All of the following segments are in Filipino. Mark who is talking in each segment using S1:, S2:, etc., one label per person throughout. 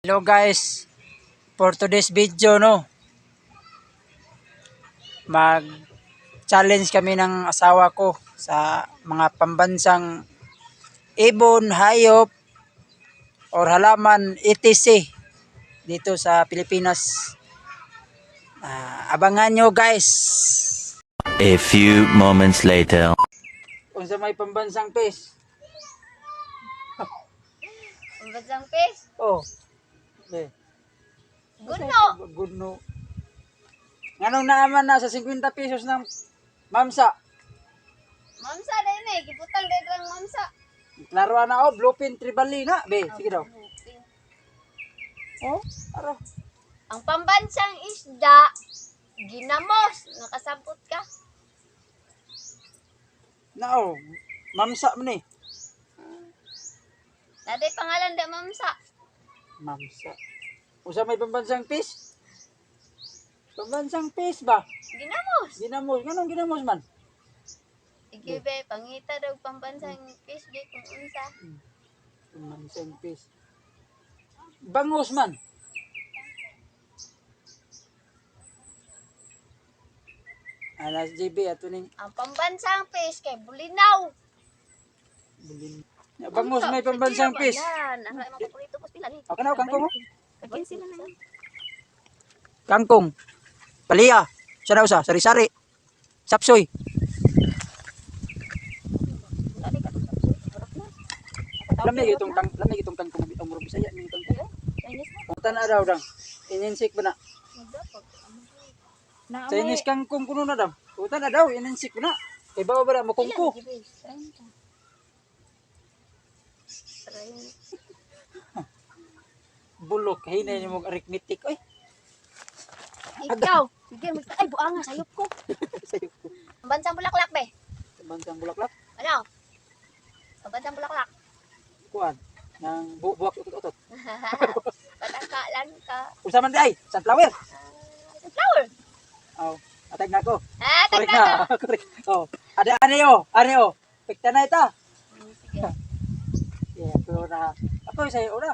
S1: Hello guys, for today's video mag challenge kami ng asawa ko sa mga pambansang ibon, hayop or halaman etc. dito sa Pilipinas. Abangan nyo guys.
S2: A few moments later.
S1: Kung sa may pambansang fish.
S3: Pambansang fish?
S1: Oh. Okay.
S3: Gudno.
S1: Gudno. Nganong naaman na sa 50 pesos ng mamsa.
S3: Mamsa din eh. Giputang din lang mamsa.
S1: Laruan na bluefin tribali na. Be, sige daw. Oh, aro.
S3: Ang pambansang isda, ginamos. Nakasabot ka.
S1: Nao, mamsa man eh.
S3: Daday pangalan da mamsa.
S1: Mamsa. Usa may pambansang fish? Pambansang fish ba?
S3: Ginamos.
S1: Ginamos. Ganong ginamos man?
S3: Sige be, pangita daw pambansang fish be kung unsa.
S1: Pambansang fish. Bangus man. Alas JB ato ning
S3: Ang pambansang fish kay bulinaw.
S1: bulin. Bangus may pambansang fish.
S3: Yan, ang mga paborito ko sila ni.
S1: Okay na kangkong.
S3: Pagkin sila na yan.
S1: Kangkong. Paliya. Sa daw sa sari-sari. Sapsoy.
S3: Dali ka to sa
S1: Lamig itong kangkong ang murag Bisaya ning kangkong.
S3: Chinese mo.
S1: Kung tana daw dang. Ininsik ba na?
S3: Magdapag.
S1: Chinese kangkong kuno na daw. Kung tana daw ininsik ba na? Kay bawa ba na makungko? Bulok hinay mo arithmetic oy.
S3: Ikaw, sige, ay buanga sayop ko.
S1: Sayop ko.
S3: Pambansang bulaklak be.
S1: Bansang bulaklak.
S3: Ano? Pambansang bulaklak.
S1: Kuan nang buwak utot-utot.
S3: Pataka lang ka.
S1: Usa man day, sunflower.
S3: Flower.
S1: Oh, atag na ko.
S3: Ah,
S1: Correct
S3: tagka ka.
S1: na. Correct. Oh, ada ano. Pekta na ita.
S3: Sige.
S1: Yeah, pero na ako sa ora.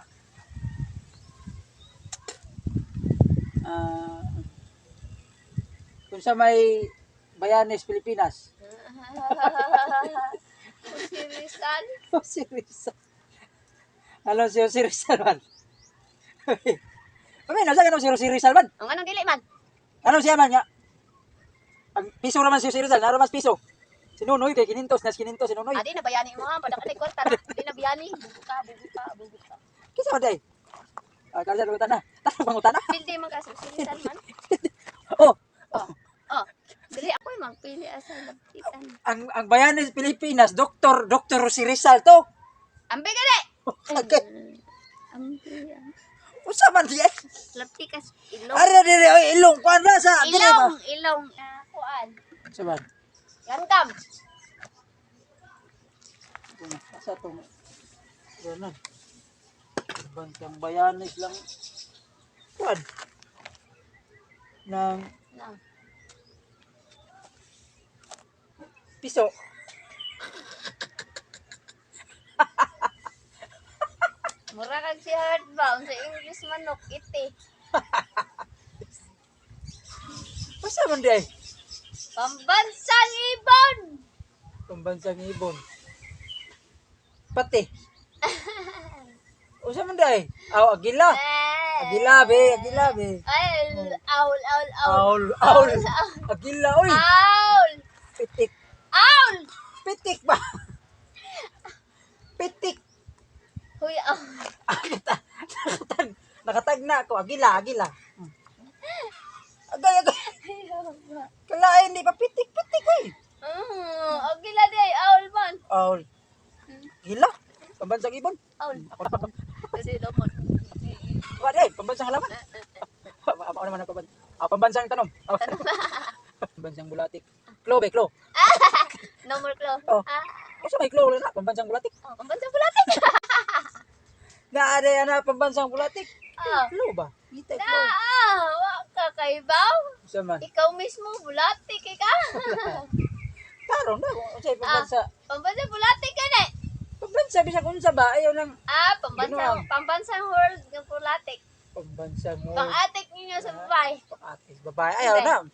S1: Kung sa may Bayanes, Pilipinas.
S3: Si Rizal.
S1: Oh, si Rizal. Alam si Rizal man. Pagay na sa ganun si Rizal man.
S3: Ang anong dili man?
S1: Ano siya man nga? Ang piso naman si Rizal, naro mas piso. Si Nunoy kay kinintos, si Nunoy.
S3: Adi na bayani mo ha, padaka ni kwarta na. Di na bayani. Bubuka.
S1: Kisa man day. Kalsa lutan na. Tanong pangutan na.
S3: Pildi man kasi si Rizal man.
S1: Oh,
S3: Oh. Dili ako yung magpili asa lapitan.
S1: ang Bayanes, Pilipinas, Dr. si Rizal to.
S3: Ambe gali.
S1: Okay.
S3: Ambe.
S1: Usa man diya.
S3: Lapikas ilong.
S1: Ara dire oy ilong kuan na sa dire ba?
S3: Ilong. Kuan.
S1: Saban.
S3: Gandam.
S1: Asa to? Ganun. Bansang Bayanes lang. Kuan. Nang
S3: Nang.
S1: piso.
S3: Mura kag si hardbound sa English manok iti.
S1: Usa man diya.
S3: Pambansang ibon.
S1: Pambansang ibon. Pati. Usa man diya. Aw agila. Agila be.
S3: Ay, owl.
S1: Aul. Agila oy.
S3: Owl.
S1: Pitik.
S3: Owl.
S1: Pitik ba? Pitik.
S3: Huy, owl.
S1: Nakatag na ako. Agila. Agay. Kalain di pa pitik oy.
S3: Agila di ay owl man.
S1: Aul. Gila. Pambansang ibon.
S3: Owl.
S1: Ako na.
S3: Kasi lamon.
S1: Wala ay, pambansang halaman. Ako naman ang pambansang tanong. Pambansang bulatik. Klo.
S3: No more claw.
S1: Oh.
S3: Ah,
S1: Kasi may klo na, pambansang bulatik.
S3: pambansang bulatik.
S1: Naari na pambansang bulatik.
S3: Ah.
S1: Klo ba? Kita klo.
S3: Wa ka kaibaw.
S1: Isa man.
S3: Ikaw mismo bulatik ka.
S1: Tarong na. Kung sa'yo pambansa.
S3: Pambansang bulatik ka na.
S1: Pambansa Pambansa bisag unsa ba ayaw lang
S3: Pambansang world ng pulatik.
S1: pambansa mo.
S3: Pang-atik ninyo sa babae.
S1: Pang-atis babae ayaw
S3: Hindi.
S1: na.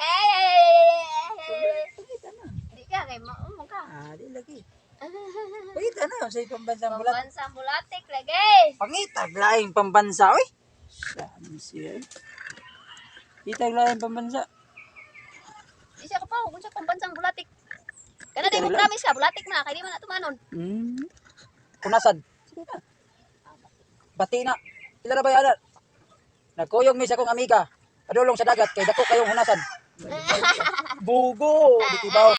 S1: Pagita na.
S3: Di ka, kay maumo ka.
S1: Di lagi. Pagita na sa pambansang bulat.
S3: Pambansang bulatik lagi.
S1: Pangitag laing pambansa oy. Saan siya? Itag laing pambansa.
S3: Di siya ka pa, kung siya pambansang bulatik. Kana din mo promise ka, bulatik na, kaya di man na tumanon.
S1: Punasan. Sige na. Bati na. Sila na ba yan? Nagkuyog mi sa kong amiga. Padulong sa dagat kay dako kayong hunasan. Bugo, di kibaw.